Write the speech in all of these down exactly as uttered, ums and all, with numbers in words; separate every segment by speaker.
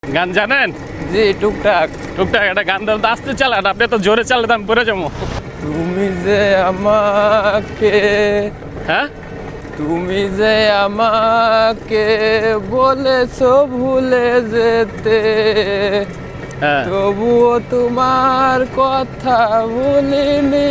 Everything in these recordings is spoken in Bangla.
Speaker 1: গান জানেন?
Speaker 2: জি টুকটাক।
Speaker 1: টুকটাক একটা গান দাও তো, আস্তে চালান, আপনি তো জোরে চালালে তো আমি পড়ে যাবো।
Speaker 2: তুমি যে আমাকে
Speaker 1: হ্যাঁ
Speaker 2: তুমি যে আমাকে বলেছো ভুলে যেতে,
Speaker 1: হ্যাঁ
Speaker 2: তবুও তোমার কথা ভুলিনি।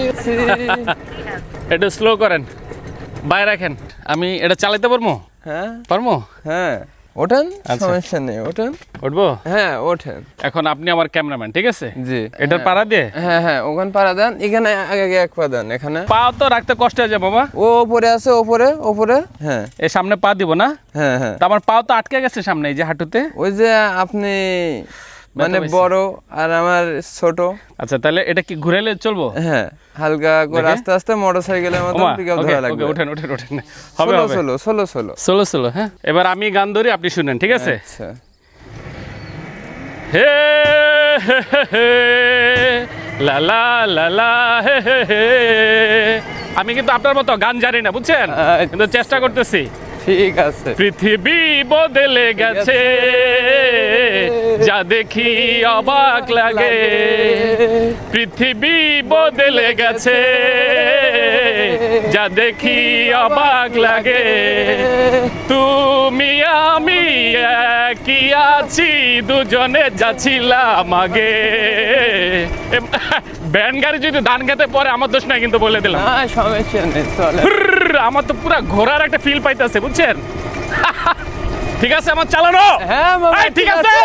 Speaker 1: একটু স্লো করেন, বাইরে রাখেন, আমি এটা চালাতে পারবো?
Speaker 2: হ্যাঁ
Speaker 1: পারবো?
Speaker 2: হ্যাঁ ওঠেন,
Speaker 1: আচ্ছা।
Speaker 2: সমস্যা নেই, ওঠেন।
Speaker 1: উঠবো?
Speaker 2: হ্যাঁ ওঠেন।
Speaker 1: এখন আপনি আমার ক্যামেরাম্যান, ঠিক আছে?
Speaker 2: জি
Speaker 1: এটার পাড়া দিয়ে
Speaker 2: হ্যাঁ হ্যাঁ ওখানে পাড়া দেন, এখানে আগে আগে এক পা দেন, এখানে
Speaker 1: পা তো রাখতে কষ্ট হয়ে যায় বাবা।
Speaker 2: ও ওপরে আছে, ওপরে ওপরে। হ্যাঁ
Speaker 1: এই সামনে পা দিব না?
Speaker 2: হ্যাঁ হ্যাঁ
Speaker 1: তো আমার পা তো আটকে গেছে সামনে, এই যে হাঁটুতে।
Speaker 2: ওই যে আপনি মানে
Speaker 1: পাইছে।
Speaker 2: বড় আর আমার ছোট।
Speaker 1: আচ্ছা তাহলে এটা কি ঘুরাইলে চলবো?
Speaker 2: হ্যাঁ হালকা করে
Speaker 1: দেখে?
Speaker 2: আস্তে আস্তে মোটরসাইকেলের মতো
Speaker 1: ওমা,
Speaker 2: পিকআপ
Speaker 1: ওকে,
Speaker 2: ধরা
Speaker 1: ওকে,
Speaker 2: লাগবে।
Speaker 1: ওঠেন ওঠেন ওঠেন, হবে
Speaker 2: সোলো
Speaker 1: হবে।
Speaker 2: Solo solo solo.
Speaker 1: Solo solo, হ্যাঁ। এবার আমি গান ধরি, আপনি শুনেন, ঠিক আছে?
Speaker 2: আচ্ছা
Speaker 1: হে হে হে হে, লা লা লা লা হে হে হে। আমি কিন্তু আপনার মতো গান জানি না, বুঝছেন,
Speaker 2: আচ্ছা।
Speaker 1: কিন্তু চেষ্টা করতেছি।
Speaker 2: ঠিক আছে।
Speaker 1: পৃথিবী বদলে গেছে, যা দেখি অবাক লাগে। পৃথিবী বদলে গেছে, যা দেখি অবাক লাগে। তুমি আমি একই আছি, দুজনে যাচ্ছিলাম আগে। ব্যান্ড গাড়ি যদি ধান খেতে পরে আমার দোষ নাই, কিন্তু বলে দিলাম।
Speaker 2: না সমস্যা নেই, চলে।
Speaker 1: হুরর, আমার তো পুরা ঘোরার একটা ফিল পাইতেছে, বুঝছেন? ঠিক আছে আমার চালানো।
Speaker 2: হ্যাঁ মামা
Speaker 1: এই, ঠিক আছে।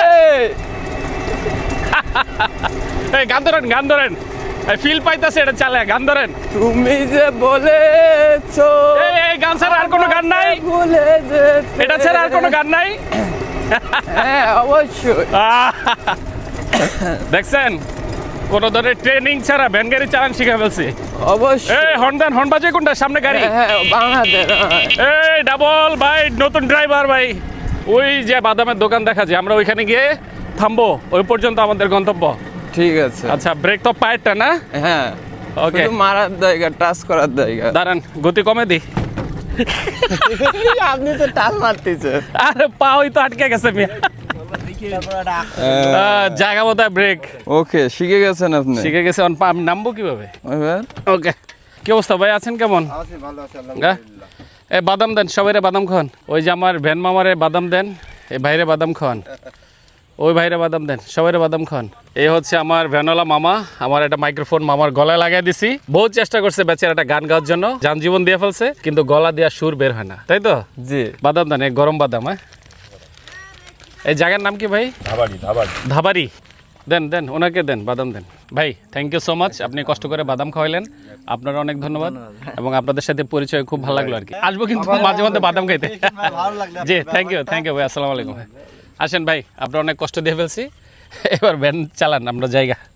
Speaker 1: এই গান ধরেন, গান ধরেন, ফিল পাইতেছে, এটা চালে, গান ধরেন।
Speaker 2: তুমি যে বলেছো
Speaker 1: এই এই গান ছাড়া আর কোনো গান নাই?
Speaker 2: ভুলে যেতে।
Speaker 1: এটা ছাড়া আর কোনো গান নাই?
Speaker 2: হ্যাঁ অবশ্যই।
Speaker 1: দেখছেন, কোন ধরনের ট্রেনিং ছাড়া ভ্যান গাড়ি চালান শিখে ফেলছি।
Speaker 2: অবশ্যই।
Speaker 1: এই হর্ন দেন, হর্ন বাজে কোনটা? সামনে গাড়ি।
Speaker 2: হ্যাঁ বাংলাদেশ।
Speaker 1: এই ডাবল ভাই, নতুন ড্রাইভার ভাই, ওই যে বাদামের দোকান দেখা যায়, আমরা ওইখানে গিয়ে থামবো, ওই পর্যন্ত আমাদের গন্তব্য।
Speaker 2: ঠিক আছে।
Speaker 1: আচ্ছা ব্রেক তো পায়েরটা না?
Speaker 2: হ্যাঁ
Speaker 1: ওকে,
Speaker 2: শুধু মারার জায়গা, টাচ করার জায়গা।
Speaker 1: দাঁড়ান, গতি কমে দি।
Speaker 2: আপনি তো টাচ মারতেছেন।
Speaker 1: আরে পা ওই তো আটকে গেছে মিয়া। আহ, জায়গা মতো ব্রেক
Speaker 2: ওকে শিখে গেছেন আপনি।
Speaker 1: শিখে গেছে। অন পা আমি নামবো কিভাবে?
Speaker 2: এবার
Speaker 1: ওকে, কি অবস্থা ভাই, আছেন কেমন? হ্যাঁ? এ বাদাম দেন, সবাইরে বাদাম খান। ওই যে আমার ভ্যান মামারে বাদাম দেন, এই ভাইরে বাদাম খান, ওই ভাইরে বাদাম দেন, সবাইরে বাদাম খান। এই হচ্ছে আমার ভ্যানওয়ালা মামা। আমার একটা মাইক্রোফোন মামার গলায় লাগাই দিছি। বহুত চেষ্টা করছে বেচারা একটা গান গাওয়ার জন্য, যান জীবন দিয়ে ফেলছে, কিন্তু গলা দিয়া সুর বের হয় না, তাই তো?
Speaker 2: জি
Speaker 1: বাদাম দেন, এই গরম বাদাম। হ্যাঁ, এই জায়গার নাম কি ভাই?
Speaker 3: ধাবাড়ি ধাবাড়ি
Speaker 1: ধাবারি। দেন দেন, ওনাকে দেন, বাদাম দেন। ভাই থ্যাংক ইউ সো মাচ, আপনি কষ্ট করে বাদাম খাওয়াইলেন, আপনার অনেক ধন্যবাদ। এবং আপনাদের সাথে পরিচয় খুব ভালো লাগলো আর কি। আসবো কিন্তু মাঝে মধ্যে বাদাম খাইতে। জি থ্যাংক ইউ, থ্যাংক ইউ ভাই, আসসালামু আলাইকুম। আসেন ভাই, আপনার অনেক কষ্ট দিয়ে ফেলছি, এবার ভ্যান চালান, আমরা জায়গা।